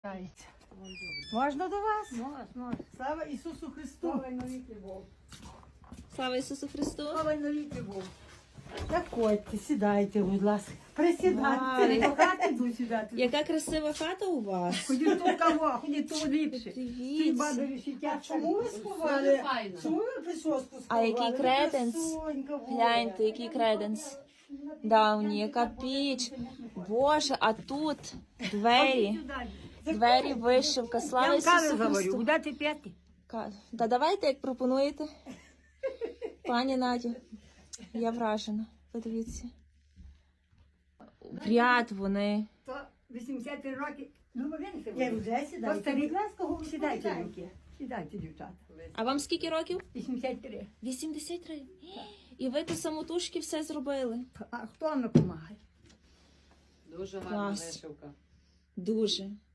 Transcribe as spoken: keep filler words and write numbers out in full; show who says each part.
Speaker 1: Дається. Можна до вас?
Speaker 2: Можна, можна.
Speaker 1: Слава Ісусу Христу!
Speaker 2: Слава й навіки Богу.
Speaker 3: Слава Ісусу Христу!
Speaker 2: Слава й навіки Богу.
Speaker 1: Заходьте, сідайте, будь ласка. Присідайте.
Speaker 2: До хати йду сідати.
Speaker 3: Яка красива хата у вас!
Speaker 2: Ходіть тут кого, ходіть тут ліпше. Ці
Speaker 3: Дивіться!
Speaker 2: бабі
Speaker 1: А
Speaker 2: сидять.
Speaker 1: чому ви сховали? Чому ви прическу сховали?
Speaker 3: А який
Speaker 1: Ви
Speaker 3: креденс?
Speaker 1: красунька була.
Speaker 3: Гляньте, який креденс. Давній, яка піч. Боже, а тут двері. Двері, вишивка.
Speaker 2: Я
Speaker 3: Слава
Speaker 2: вам кави
Speaker 3: Ісусу
Speaker 2: говорю,
Speaker 3: Христу.
Speaker 2: будете п'яти?
Speaker 3: Ка- Та давайте, як пропонуєте. Пані Надю, я вражена. Подивіться. В ряд вони.
Speaker 2: То вісімдесят три роки. Ну, ви не
Speaker 1: Я вже сідаю.
Speaker 2: старі.
Speaker 1: Будь ласка, говорю,
Speaker 2: Сідайте,
Speaker 1: сідайте.
Speaker 2: дівки. Сідайте, дівчата.
Speaker 3: А вам скільки років?
Speaker 2: вісімдесят три.
Speaker 3: вісімдесят три. І ви то самотужки все зробили.
Speaker 2: А хто вам допомагає?
Speaker 4: Дуже гарна
Speaker 3: Клас.
Speaker 4: вишивка.
Speaker 3: Дуже.